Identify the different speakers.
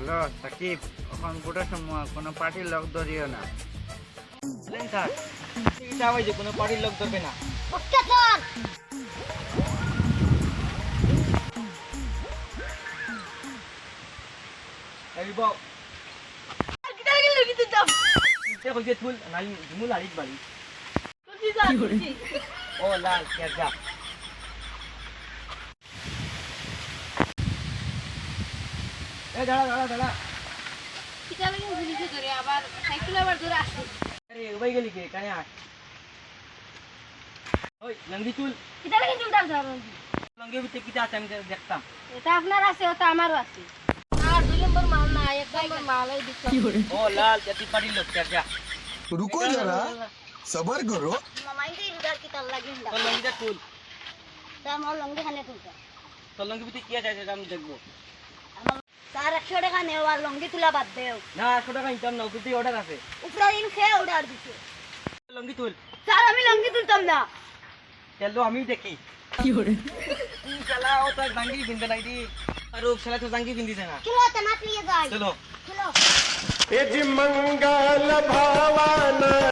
Speaker 1: Hello Sakib, এখন গোটার সময় কোনো পার্টির লোক ধরিও না।
Speaker 2: বলেন স্যার, চিকিৎসা হয়েছে, কোনো পার্টির লোক ধরবে না।
Speaker 3: Okay sir.
Speaker 2: এই বাও
Speaker 3: কিটা গেল কিন্তু দাম
Speaker 2: তে কইছে তুল নাই ঝুমুল আড়িত বাড়ি।
Speaker 3: তুই যা
Speaker 2: ও লাল কে যা এ দাঁড়া
Speaker 3: কিটা লাগে জিনিসে ধরে আবার সাইকেল আবার ধরে আসে।
Speaker 2: আরে ওই গেলি কে কানে আয়। ওই লঙ্গি চুল
Speaker 3: কিটা লাগে চুলটা ধরে
Speaker 2: লঙ্গি ভিতরে কিটা আছে আমি দেখতাম।
Speaker 3: এটা আপনার আছে ওটা আমারও আছে। আর 2 নম্বর মাল না, 1 নম্বর মালই দিতে।
Speaker 2: ও লাল জাতি পার্টির লোক কে যা
Speaker 4: रुको जरा सबर करो।
Speaker 3: মামাই দে ইদার কিটা লাগে না।
Speaker 2: তোর লঙ্গিটা চুল
Speaker 3: তা আমার লঙ্গি খানে তুলতা।
Speaker 2: তোর লঙ্গি ভিতরে কি আছে সেটা আমি দেখবো।
Speaker 3: আমার স্যার 100 টাকা নেও আর লঙ্গি তুলা বাদ দেও।
Speaker 2: না 100 টাকা নিতাম না, ওকে অর্ডার আছে।
Speaker 3: উপরে দিন খেয়ে অর্ডার দিতে।
Speaker 2: লঙ্গি তুল
Speaker 3: স্যার আমি লঙ্গি তুলতাম না।
Speaker 2: চলো আমি দেখি কি হরে তুই শালা ও তো জাঙ্গি বিন্দে নাই দি আর ও শালা তো জাঙ্গি বিন্দিছে না।
Speaker 3: চলো তনাত লিয়ে যাই।
Speaker 2: চলো
Speaker 3: চলো।
Speaker 4: यजि मंगल भावना